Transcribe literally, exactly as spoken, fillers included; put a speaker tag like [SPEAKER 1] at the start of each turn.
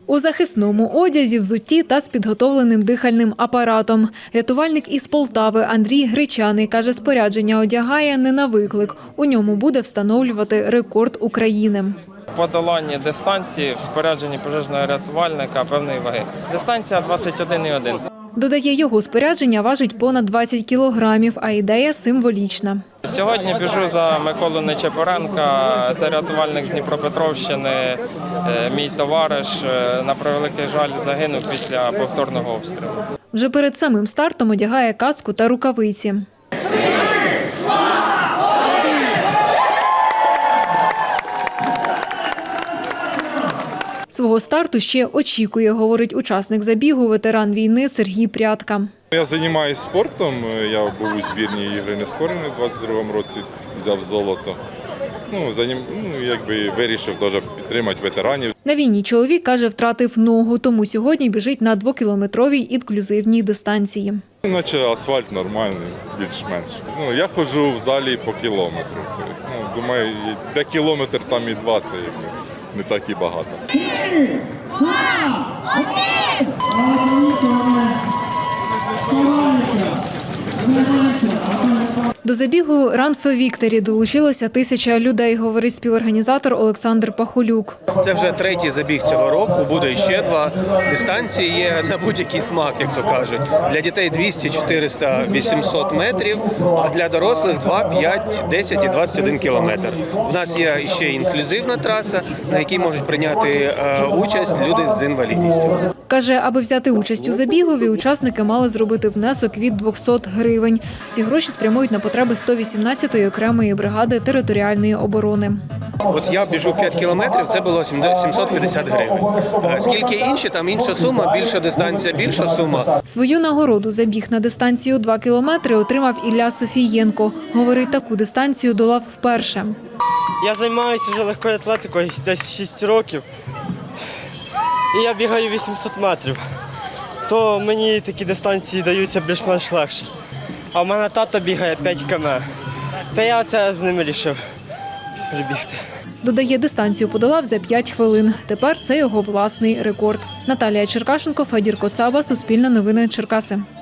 [SPEAKER 1] У захисному одязі, взутті та з підготовленим дихальним апаратом. Рятувальник із Полтави Андрій Гречаний каже, спорядження одягає не на виклик. У ньому буде встановлювати рекорд України.
[SPEAKER 2] Подолання дистанції в спорядженні пожежного рятувальника певної ваги. Дистанція двадцять один і один.
[SPEAKER 1] Додає, його спорядження важить понад двадцять кілограмів, а ідея символічна.
[SPEAKER 2] Сьогодні біжу за Миколу Нечепоренка, це рятувальник з Дніпропетровщини, мій товариш, на превеликий жаль, загинув після повторного обстрілу.
[SPEAKER 1] Вже перед самим стартом одягає каску та рукавиці. Свого старту ще очікує, говорить учасник забігу, ветеран війни Сергій Прядка.
[SPEAKER 3] Я займаюся спортом, я був у збірній Ігри Нескореної у двадцять другому році, взяв золото. Ну, за ним, ну, якби вирішив теж підтримати ветеранів.
[SPEAKER 1] На війні чоловік, каже, втратив ногу, тому сьогодні біжить на двокілометровій інклюзивній дистанції.
[SPEAKER 3] Наче асфальт нормальний, більш-менш. Ну, я ходжу в залі по кілометру. Тобто, ну, думаю, де кілометр, там і два, це якби не так і багато.
[SPEAKER 1] До забігу Run for Victory долучилося тисяча людей, говорить співорганізатор Олександр Пахолюк.
[SPEAKER 4] Це вже третій забіг цього року, буде ще два. Дистанції є на будь-який смак, як то кажуть. Для дітей двісті, чотириста, вісімсот метрів, а для дорослих два, п'ять, десять і двадцять один кілометр. У нас є ще інклюзивна траса, на якій можуть прийняти участь люди з інвалідністю.
[SPEAKER 1] Каже, аби взяти участь у забігові, учасники мали зробити внесок від двохсот гривень. Ці гроші спрямують на потреби сто вісімнадцятої окремої бригади територіальної оборони.
[SPEAKER 4] От я біжу п'ять кілометрів, це було сімсот п'ятдесят гривень. Скільки інші, там інша сума, більша дистанція, більша сума.
[SPEAKER 1] Свою нагороду забіг на дистанцію два кілометри отримав Ілля Софієнко. Говорить, таку дистанцію долав вперше.
[SPEAKER 5] Я займаюся вже легкою атлетикою десь шість років. І я бігаю вісімсот метрів, то мені такі дистанції даються більш-менш легше. А в мене тато бігає п'ять кілометрів, та я це з ним вирішив прибігти.
[SPEAKER 1] Додає, дистанцію подолав за п'ять хвилин. Тепер це його власний рекорд. Наталія Черкашенко, Федір Коцаба, Суспільне новини, Черкаси.